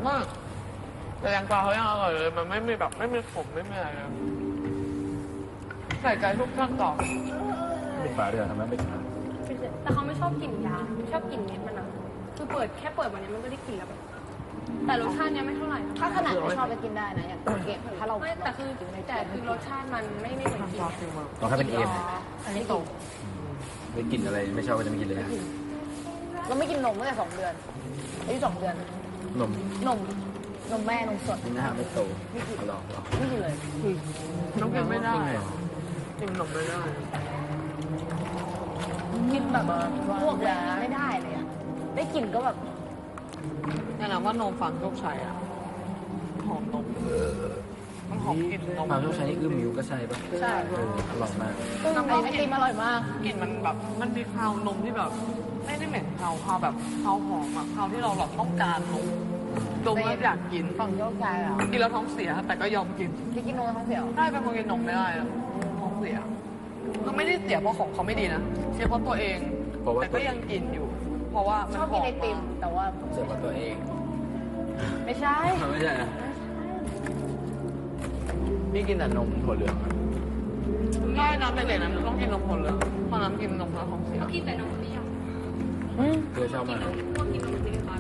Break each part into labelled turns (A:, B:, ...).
A: มากแต่แตงกวาเขายังอร่อยเลยมันไม่มีแบบไม่มีขมไม่มีอะไรเลยใส่ใจทุกขั้นตอน
B: ปิดฝาด้วยทำไมไม่ทำ
C: แต่เขาไม่ชอบกลิ่นยาไม่ชอบกลิ่นเม็ดมันนะคือแค่เปิดวันนี้มันก็ได้กลิ่นแล้วแบบแต่รสชาติเนี้ยไม่เท่าไหร่
D: ถ้าขนาดไม่ชอบไปกินได้นะอย่างเก็บถ้าเรา
C: ไม่แต่คือรสชาติมันไม่เหมือนกิน
B: ต้องให้เป็นเอ็ม
C: อันนี้โต
B: ไม่กินอะไรไม่ชอบก็จะไม่กินเลย
D: เราไม่กินนมตั้งแต่2 เดือนอายุ2 เดือน
B: นม
D: นมแม่นมสด
B: นี่นะฮะไม่โตลอง
D: ไม่กินเลย
A: น้องกินไม่ได้กินขนมไม่ได้
D: กินแบบพวกแหวนไม่ได้เลยอะได้กลิ่นก็แบบ
A: นี่แหละว่านมฟังโชคชัยอ่ะหอมนมมันหอมกลิ่นนม
B: ความต้องใช้นี่คือมิวก็ใช่ปะ
D: ใช่
B: อร่อยมาก
D: ไอติมอร่อยมาก
A: กลิ่นมันแบบมันมีคาวนมที่แบบไม่ได้เหม็นคาวแบบคาวหอมอะคาวที่เราแบบต้องการนมดมแล้วอยากกิน
D: ฝั่งโยกใจเหรอ
A: กินแล้วท้องเสียแต่ก็ยอมกิน
D: ที่กินนมท้องเสียว
A: ใช่เป็นคนกินนมไม่ได้อะท้องเสียก็ไม่ได้เสียเพราะของเขาไม่ดีนะเสียเพราะตัวเองแต่ก็ยังกินอยู่ เพราะว่ามัน
D: ชอบ
A: ห
D: กิ
A: อน ม
D: ไอติมแต่ว่า
B: เสิร์ฟกับตัวเอง
D: ไม่ใช่
B: ไม่ใช่นะพี่กินแต่นมถั่วเหลือง
A: ง่ายนะเป็นเด็กนะมันต้องกินนมผลเลยเพราะน้ำกินนมแล้วท้องเสีย
C: กินแต่นมเปรี้ยว
B: เธอชอบมาก
C: พวกกินนมเปรี้ยวน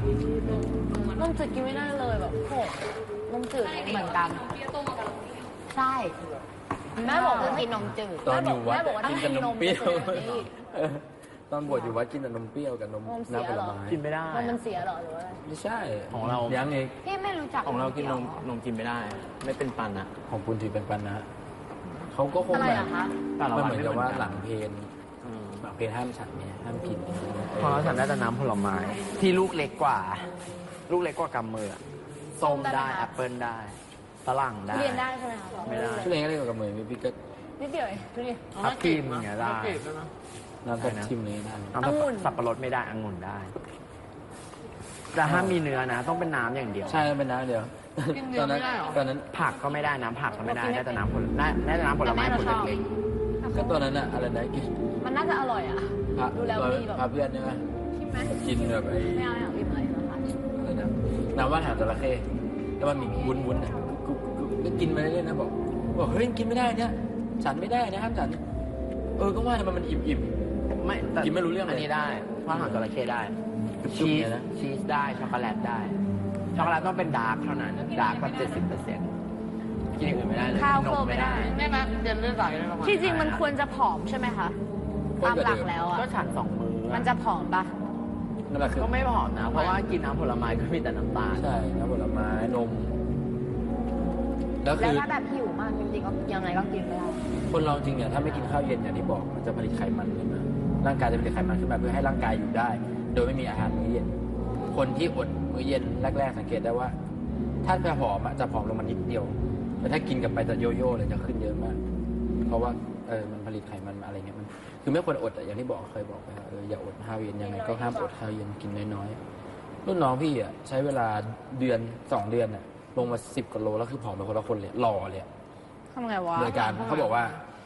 D: มจืดกินไม่ได้เลยแบบโหนมจืดเหมือนกัน
C: เปรี้ยวต้มกับนมเปรี้ยว
D: ใช่แม่บอกว่ากินนมจืด
B: ตอนอยู่วัด
D: แม่บอกว่า
B: กิน
D: ถ้า
B: แต่
D: กิน
B: น
D: น
B: ม
D: ม
B: เปรี้ยว
D: จะเป็นแบบนี้
B: ตอนบวชอยู่วัดกินแต่นมเปรี้ยวกับนม
D: นมเสี
B: น้ำ
D: ย
B: ผ
D: เห
B: ล
D: รอ
B: ไม้
E: กินไม่ได้
D: นมมันเสียเหรอหรือว่าอะไร
B: ไม่ใช่
E: ของเรา
B: ยังเอง
D: พี่ไม่รู้จัก
E: ของเรากินนมกินไม่ได้ ไม่เป็นปันอะ
B: ของคุณถือเป็นปันนะเขาก็คง
D: อะไร
B: แบบ
D: อะคะ
E: แต่ละ
B: มัน
E: วัน
B: เหมือน
E: ไม่
B: กับ
E: เหมื
B: ว่า
E: อนกัน
B: หลังเพลนหลังเพลนห้ามฉันเนี่ยห้ามกิน
E: ของเราฉันได้แต่น้ำผลไม้ ที่ลูกเล็กกว่า ลูกเล็กกว่ากำมืออะส้มได้แอปเปิลได้ฝรั่งได้
D: ทุเรียนได้ใช่ไหมคะ
E: ไม่ได้
B: ช่วยเองก็เล่นกับมือพี่ก็
D: นิดเดียวเองทุเรียน
E: ทับทิมอย่างเงี้ยได้
A: กรีบด้วยนะ
B: น้ำตาลชิมเลยนะ
E: น้ำสับปะรดไม่ได้องุ่นได้ แต่ห้ามมีเนื้อนะ ต้องเป็นน้ำอย่างเดียว
B: ใช่เป็นน้ำเดียว
A: กินเนื้
B: ต
A: อ
B: อนนั้น
A: ไม่ได้เหรอ
B: ตอนนั้น
E: ผักก็ไม่ได้น้ำผักก็ไม่ได้ได้แต่น้ำผลได้แต่น้ำผลไม้ผลเล็ก
B: ก็ตอนนั้นอะอะไรนะกิน
D: มันน่าจะอร่อยอะ
B: พระ
D: ดูแล้วมีแบบ
B: พระเพื่อนใช่ไหม
D: ใช่ไหม
B: กินแบบไอ้
D: ไม่เอาไม่เอาอิ่มเลยนะคะ
B: อะไรนะน้ำว่านหางจระเข้แล้วมันมีวุ้นๆอะก็กินไปเรื่อยๆนะบอกเฮ้ยกินไม่ได้เนี่ยฉันไม่ได้นะห้ามฉันก็ว่าทำไมมันอิ่ม
E: ๆไม่แต่
B: กินไม่รู้เรื่องเลย
E: อันนี้ได้ว่านหางจระเข้ได้
B: จุ๊บ
E: ชี
B: ๆ
E: ส
B: เลยนะ
E: ชีสได้ช็อกโกแลตได้ ช็อกโกแลตต้องเป็นดาร์กเท่านั้น ดาร์กแบบ70%กินอย่างอื่นไม่ได้เลย
D: ข้าว
E: น
D: เคิร์
E: ม
D: ไม่
E: ไม่
D: ได้
E: ได้
A: ได้ไหมเรียนเลือดไหลได้ประมาณ
D: ที่จริงมันควรจะผอมใช่ไหมคะ ตามหลักแล้วอะ
E: ก็ฉัน2 มื้อ
D: มันจะผอมปะ
B: นั่นแหละคือ
E: ก็ไม่ผอมนะ เพราะว่ากินน้ำผลไม้ก็มีแต่น้ำตาล
B: ใช่น้ำผลไม้นม แล้ว
D: แล้
B: คื
D: ว
B: อ
D: ถ้าแบบหิวมากจริงๆก็ยังไงก็กินไม่ได้
B: คนเราจริงเนี่ยถ้าไม่กินข้าวเย็นอย่างที่บอกมันจะผลิตไขมันขึ้นมาร่างกายจะผลิตไขมันขึ้นมาเพื่อให้ร่างกายอยู่ได้ โดยไม่มีอาหารมื้อเย็น คนที่อดมื้อเย็นแรกๆสังเกตได้ว่า ถ้าจะผอมอะจะผอมลงมานิดเดียว แต่ถ้ากินกลับไปจะโยโย่เลยจะขึ้นเยอะมาก เพราะว่ามันผลิตไขมันมาอะไรเงี้ยมันคือไม่ควรอดอะอย่างที่บอกเคยบอกไปว่าอย่าอดข้าวเย็นยังไงก็ห้ามอดข้าวเย็นกินน้อยๆรุ่นน้องพี่อะใช้เวลาเดือน2 เดือนอะลงมา10 กว่าโลแล้วคือผอมไปคนละคนเลยหล่อเลย
D: ทำไงวะ
B: โดยการเขาบอกว่า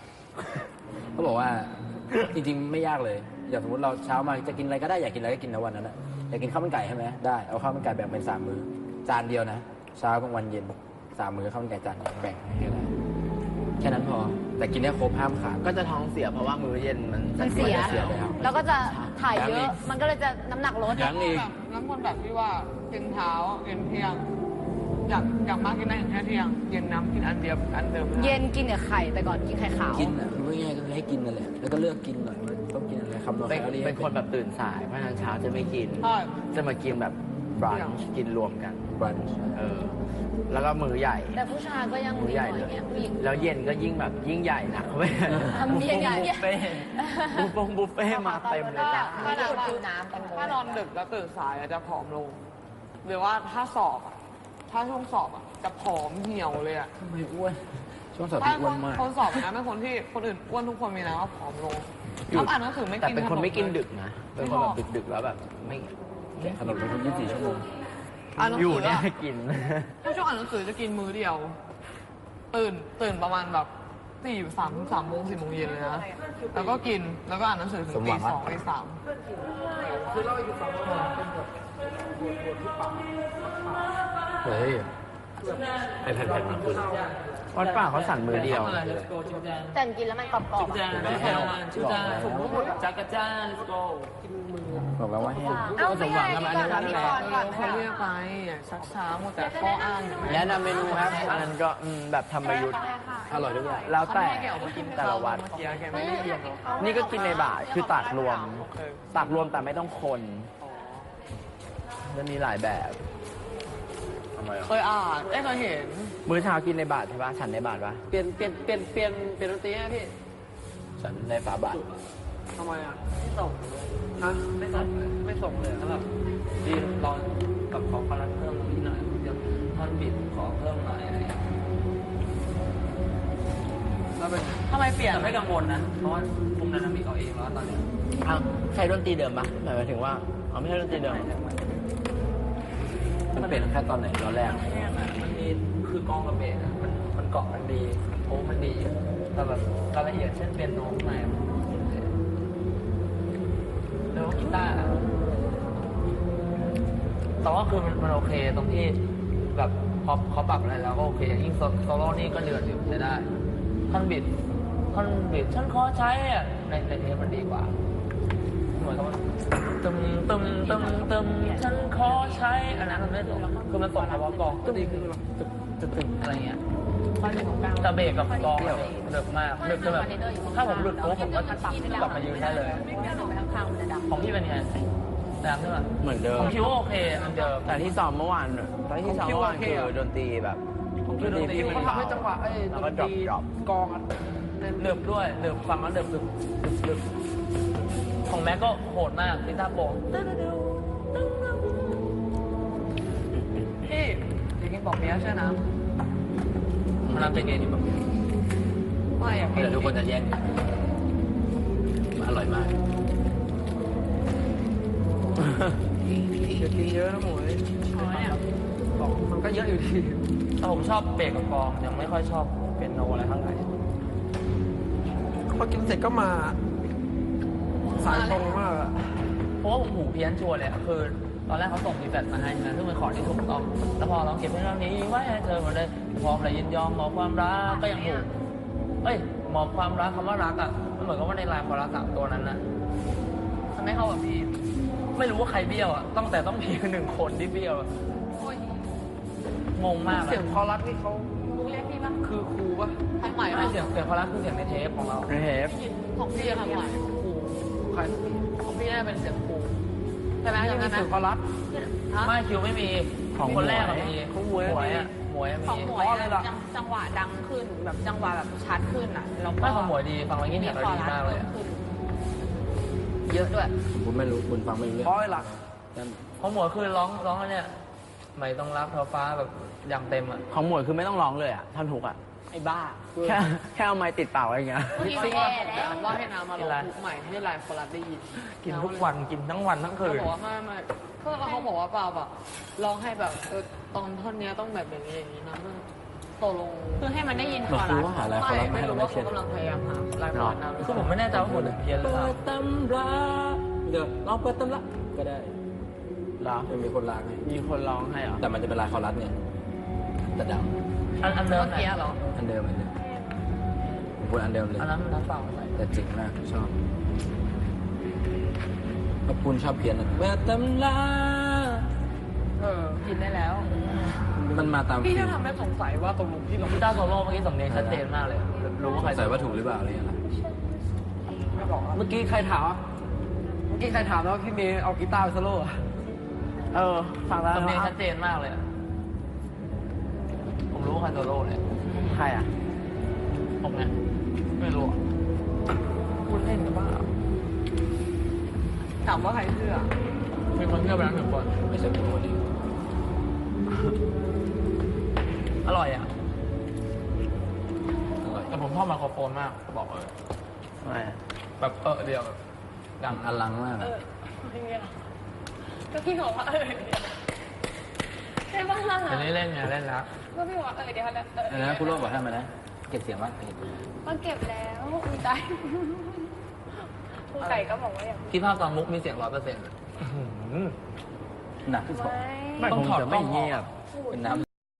B: จริงๆไม่ยากเลย อย่างสมมติเราเช้ามาจะกินอะไรก็ได้อยากกินอะไรก็กินนะวันนั้นนะอยากกินข้าวมันไก่ใช่ไหมได้เอาข้าวมันไก่แบ่งเป็น3 มื้อจานเดียวนะเช้ากลางวันเย็น3 มื้อข้าวมันไก่จานเดียวแบ่งให้ได้แค่นั้นพอ แต่กินให้ครบห้ามขาด
E: ก็จะท้องเสียเพราะว่ามื้อเย็นมัน
D: มันเสีย
B: เสียแล้ว
D: แล้วก็จะถ่ายเย
B: ยังอี
D: อะ
B: ก
D: มันก็เลยจะน้ำหนักลด
B: ยังอีก
A: น้ำคนแบบที่ว่ากินเช้ากินเที่ยงอยากมากกินได้ถึงแค่เที่ยงเย็นน้ำกินอันเดียวอันเดิมไม่ได้
D: เย็นกินกับไข่แต่ก่อนกินไข่ขาว
B: กินอ่ะคือง่ายๆก็คือให้กินนั่นแหละแล้วก็เลือกกินหน่อยว่าต้องกินอะไรคำนวณแคลอรี่
E: เป็นคนแบบตื่นสาย เพราะฉะนั้นเช้าจะไม่กิน
A: ใช่
E: จะมากินแบบบรันช์กินรวมกัน
B: วัน
E: แล้วก็มื้อใหญ่
D: แต่ผู้ชายก็ยัง
E: มื้อ
D: มี
E: ให
D: ห
E: ญ่
D: น่อย
E: เลย
D: เงี้ยผู้หญิง
E: แล้วเย็นก็ยิ่งแบบยิ่งใหญ่นะเขาไม่
D: ทำเย็นใหญ่
E: บุฟเฟ่บุฟเฟ่มาเต็มเลยจ้ะ
D: ไม่ได้ดูน้ำกันเลย
A: ถ้านอนดึกแล้วตื่นสายอะจะผอมลง หรือว่าถ้าสอบอะถ้าช่วงสอบอะจะผอมเหี่ยวเลยอะ
B: ทำไมอ้วนช่วงสอบ
A: ถ้า
B: ที่อ้วนมาก
A: คนสอบนะเป็นคนที่คนอื่นอ้วนทุกคนมีนะว่าผอมลงชอบอ่านหนังสือไม่
E: แต่
A: กิน
E: เป็นคนไม่กิน
A: ขม
E: ดึกนะ เป็นคนแบบดึกๆแล้วแบบไม่
B: แกะขนมเป็นคน24 ชั่วโมง
A: อ่านหนัง
E: อยู่
A: สือ
E: เนี่ย
A: อะ
E: กิน
A: ถ้าช่วงอ่านหนังสือจะกินมื้อเดียว ตื่นประมาณแบบ3 โมง 4 โมงเย็นเลยนะแล้วก็กินแล้วก็อ่านหนังสือถึง
B: สมหวัง
A: ตี
B: อะ
A: 2 ตี 3
B: เฮ้ยไอแผ่นๆมาคุณ
E: วัดป่าเขาสั่นมือเดียว
D: แต่กินแล้วมันกรอบๆอะ
A: จักรจ้า let's go
B: บอกแล้วว่าแห้ง
D: เอ้าไม่ใช่อันนี้ก่อนมีก่อนก่อน
A: เขาเรียกไปชักช้าหมดแต่ข้ออ้าง
E: แนะนำเมนูครับ อันนั้นก็แบบธรรมยุทธ์
B: อร่อยด้วย
E: แล้วแต่
A: แกออกมากิน
E: แต่ละวัด
A: เมื่อกี้แกไม่ได้เรียนหรอก
E: นี่ก็กินในบาทคือตักรวม ตักรวมแต่ไม่ต้องคนจะมีหลายแบบ
B: ทำไมอ่ะ
A: เคยอ่านเคยเห็น
E: มื้อเช้ากินในบาทใช่ปะฉันในบาทปะ
A: เปลี่ยนดนตรีให้พี่
B: ฉันในฝาบาท
A: ทำไมอ่ะไม่ส่งฮะไม่ส่งเลยแล้วแบบดีลองกับขอคอรัสเพิ่มนิดหน่อยเดี๋ยวท่อนบิดขอเพิ่มหน่อยอะไรอย่างเงี้ยแล้วเป็นทำไมเปลี่ยนแต่ไม่กังวลนะเพราะว่าคุมไดนามิกเอาเองแล้วตอนเนี้ย
E: อ้าวใช้ดนตรีเดิมปะหมายถึงว่าอ๋อไม่ใช่ดนตรีเดิม
B: มันเปลี่ยนแค่ตอนไหนตอนแรก
A: แค่นั้นมันมีคือกองกับเบสอะมันเกาะกันดีโอ้มันดีแต่แบบรายละเอียดเช่นเป็นโน้ตไหนแล้วกีตาร์แต่ว่าคือมันโอเคตรงที่แบบพอเขาปรับอะไรแล้วก็โอเคยิ่งโซโล่นี่ก็เดือดอยู่ใช้ได้ท่อนบิดฉันขอใช้อะในเทปมันดีกว่าเหมือนกับว่าตึมฉันขอใช้อันนั้นมันไม่ตรงคือมันส่งมาว่ากองก็ดีคือแบบตึกอะไรเงี้ยแต่เบรกกับกองแบบเดือดมากเดือดจนแบบถ้าผมหลุดโค้งผมก็กลับมายืนได้เลย ของพี่เป็นไงแรงใช่ไหม
E: เหมือนเดิม
A: ผมคิดว่าโอเคมันเดิม
E: แต่ที่ซ้อมเมื่อวานคือดนตรีแบบ
A: คือดนตรีมันทำให้จังหวะ
E: แล้วก็ดรอป
A: กองเดือบด้วยเดือบฟังแล้วเดือบดึบของแม็กก็โหดมากกีตาร์โปร่งพี่อยากกินปอกเปี๊ยะใช่นะมันเป็นไงนี่ปอกเปี๊ยะไม่อยากกิน
B: เดี๋ยวทุกคนจะแย่งกันมันอร่อยมาก
A: อยากกินเยอะนะหมูบอกมันก็เยอะอยู่ดีแต่ผมชอบเบรกกับกองยังไม่ค่อยชอบเป็นโนอะไรเท่าไหร่
F: พอกินเสร็จก็มาสายตรงมากอะ
A: เพราะว่าผมหูเพี้ยนชัวร์เลยอะคือ ตอนแรกเขาส่งรีแฟตมาให้นะซึ่งเป็นคอร์ดที่ถูกต้องแล้วพอเราเก็บเพลงเหล่านี้ไว้ให้เธอหมดเลยพร้อมและยินยอมมอบความรักก็ยังถูกมอบความรักคำว่ารักอ่ะมันเหมือนกับว่าในลายคอรัส3ตัวนั้นนะทำให้เข้ากับพี่ไม่รู้ว่าใครเบี้ยวอ่ะต้องมีหนึ่งคนที่เบี้ยวอะงงมาก
F: เสียงคอรัสที่เขา
C: เรียกพี่ป่ะ
F: คือครูปะ
A: ทำใหม่ไม่เสียงคอรัสคือเสียงในเทปของเรา
E: เทป
A: ของพี่ทำใหม่ครู
F: ใคร
A: ของพี่น่าเป็นเสียงครูใช่ไหม
F: ไม่
A: จำ
F: มี
A: ได้ไหม
F: เสียงคอรัส
A: ไม่คิวไม่มีคนแรกอะมี
F: ของหมวย
A: หมวยอะหมวย
D: ของ
A: มี
D: หมวยอะจังหวะดังขึ้นแบบจังหวะแบบชัดขึ้นอ่ะแล้วก็
A: ไม่ของหมวยดีฟังแล้วยิ่งแหบเราดีมากเลยอะ
D: เยอะด้วย
B: คุณไม่รู้คุณฟังไม่รู้เรื่อง
F: เพราะอะไรล่ะ
A: ของหมวยคือร้องอันเนี่ยไม่ต้องรักเธอฟ้าแบบอย่างเต็มอะ
E: ของหมวยคือไม่ต้องร้องเลยอ่ะท่อนฮุกอ่ะ
F: ไอ้บ้า
E: แค่เอาไม้ติดเป่าอะไรอย่างเงี้ย
A: มิกซิ่งว่าให้น้ำมาลองใหม่ให้ไลฟ์คอรัสได้ยินกินทุกวันกินทั้งวันทั้งคืนเขาบอกว่าไม่เขาบอกว่าเปล่าแบบลองให้แบบตอนท่อนเนี้ยต้องแบบอย่างนี้นะตกลง
D: คือให้มันได้ยินค
B: มัน
D: อ
B: คื
D: รั
B: อ
D: ส
B: ว่าหาอะไรเขารับมา
A: ไม่
B: ให้เรา
A: รู้
B: ไม่
A: ว่า
B: เช่
A: เขา
B: น
A: กำลังพยายามหาไลฟ์คอรัสนะคือผมไม่แน่ใจว่าผมเพี้ยนหรือเปล่า
B: ตำราเดี๋ยวลองเปิดตำราก็ได้
E: เหรอ
B: จะมีคนลากให้
E: มีคนร้องให้เหรอ
B: แต่มันจะเป็นลายคอรัสเนี่ยแต่ด
A: อันเดิมเมื่อกี้เหรอ
B: ำอันเดิมผมพูดอันเดิมเลย
A: อันนั้นมันน้ำเปล่าใส่
B: แต่จริงมากชอบขอบคุณชอบเพี้ยนเปิดตำรา
A: กินได้แล้ว
B: มันมาตาม
A: พี่
B: ฟิ
A: จะ
B: ล
A: ทำให้สงสัยว่าตกลงพี่ลงกีตาร์โซโล่เมื่อกี้สำเนียงชัดเจนมากเลย รู้ว่าใคร
B: ใส่ว่าถูกหรือเปล่าอะไรอย่างเงี้ย
A: ไม่บอก
F: เมื่อกี้ใครถามอะเมื่อกี้ใครถามแล้วาพี่เมย์เอากีตาร์ไปโซโล่อะ
E: ฟังแล้ว
A: สำเนียงชัดเจนมากเลยอะผมรู้ว่าใครโซโล่เลย
E: ใครอ่ะ
A: ผมเนี่ยไม่รู้อะคุณเล่นกันบ้าถามว่าใครเชื่อมีคนเชื่อไปแล้ว1 คน
B: ไม่ใช่เป็นคนเดียว
A: อร่อยอ่ะ
B: อร่อย
A: แต่ผมชอบไมโครโฟนมากจะบอกเลย
E: ทำไมอะ
A: แบบเดียวแบบดัง
B: อลังมากอะ
C: ก็พี่บอกว่าใช่ป่ะ
A: เดี๋ยวนี้เล่นไงเล่นแล้ว
C: ก็พี่บอกว่าเดี๋ยวเขาจะ
B: อันนั้นคุณโรจน์บอกให้มานะเก็บเสียงไว้
C: ก็เก็บแล้วอุ้ยใจครูไก่ก็บอกว่าอย่าง
A: คิดภาพตอนมุกมีเสียง100%
B: หนักที่สุด
E: ไม่
A: ต้อง
E: คง
A: ถอด
E: จะ
A: กล้
E: ไม่
A: องอ
E: เงี
A: อก
E: ยบ
C: พูด
B: เป็นน้ำ